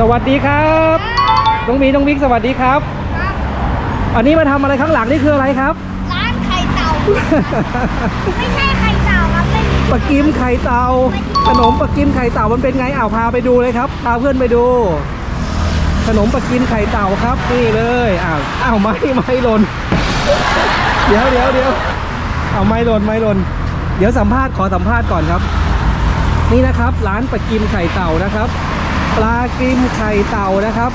สวัสดีครับน้องบีน้องบิ๊กสวัสดีครับอันนี้มาทำอะไรข้างหลังนี่คืออะไรครับร้านไข่เต่า ไม่ใช่ไข่เต่าครับเป็นปลากิมไข่เต่าขนมปลากิมไข่เต่ามันเป็นไงพาไปดูเลยครับพาเพื่อนไปดูขนมปลากิมไข่เต่าครับนี่เลยไม่หล่นเดี๋ยวไม่หล่นเดี๋ยวขอสัมภาษณ์ก่อนครับนี่นะครับร้านปลากิมไข่เต่านะครับปลากิมไข่เต่านะครับ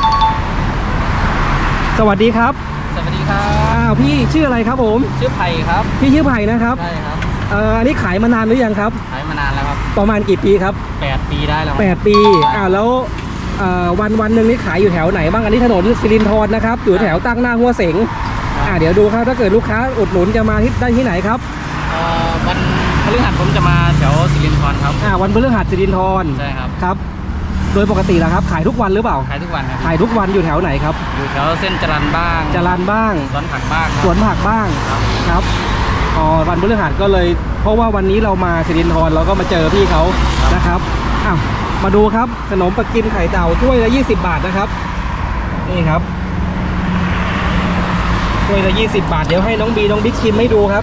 สวัสดีครับสวัสดีครับพี่ชื่ออะไรครับผมชื่อไผ่ครับพี่ชื่อไผ่นะครับใช่ครับอันนี้ขายมานานหรือยังครับขายมานานแล้วครับประมาณกี่ปีครับ 8 ปีได้แล้ว 8 ปีแล้ววันหนึ่งนี่ขายอยู่แถวไหนบ้างอันนี้ถนนสิรินธรนะครับอยู่แถวตั้งหน้าหัวเสงเดี๋ยวดูครับถ้าเกิดลูกค้าอุดหนุนจะมาได้ที่ไหนครับวันพฤหัสผมจะมาแถวสิรินธรครับวันพฤหัสสิรินธรใช่ครับครับโดยปกติแล้วครับขายทุกวันหรือเปล่าขายทุกวันครับขายทุกวันอยู่แถวไหนครับอยู่แถวเส้นจรัญบ้างสวนผักบ้างครับวันพฤหัสก็เลยเพราะว่าวันนี้เรามาสิรินธรเราก็มาเจอพี่เขานะครับมาดูครับขนมปลากิมไข่เต่าถ้วยละ20 บาทนะครับนี่ครับถ้วยละ20 บาทเดี๋ยวให้น้องบีน้องบิ๊กชิมให้ดูครับ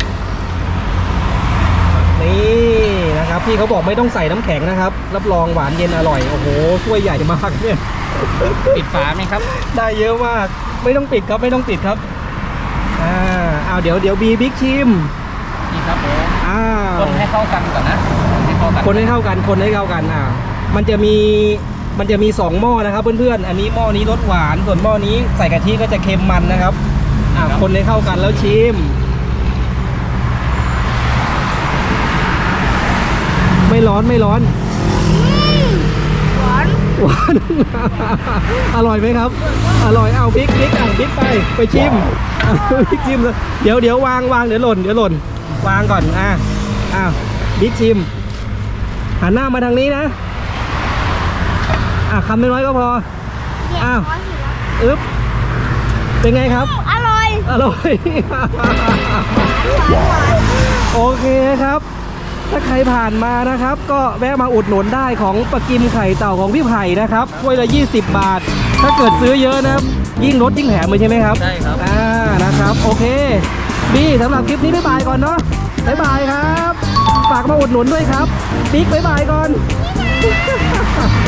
นี่นะครับพี่เขาบอกไม่ต้องใส่น้ำแข็งนะครับรับรองหวานเย็นอร่อยโอ้โหถ้วยใหญ่มากเนี่ยปิดฝาไหมครับได้เยอะมากไม่ต้องปิดครับไม่ต้องปิดครับเดี๋ยวบีบิ๊กชิมนี่ครับผมคนให้เข้ากันก่อนนะคนให้เข้ากันมันจะมี2หม้อนะครับเพื่อนๆอันนี้หม้อนี้รสหวานส่วนหม้อนี้ใส่กะทิก็จะเค็มมันนะครับคนให้เข้ากันแล้วชิมไม่ร้อนหวานอร่อยไหมครับอร่อยบิ๊กไปชิมบิ๊กชิมเดี๋ยววางเดี๋ยวหล่นวางก่อนบิ๊กชิมหันหน้ามาทางนี้นะคำน้อยก็พอเป็นไงครับอร่อยโอเคครับถ้าใครผ่านมานะครับก็แวะมาอุดหนุนได้ของปลากิมไข่เต่าของพี่ไผ่นะครับถ้วยละ20 บาทถ้าเกิดซื้อเยอะนะยิ่งลดยิ่งแถมเลยใช่ไหมครับใช่ครับนะครับโอเคบี้สำหรับคลิปนี้บ๊ายบายก่อนเนาะบ๊ายบายครับฝากมาอุดหนุนด้วยครับบิ๊กบ๊ายบายก่อน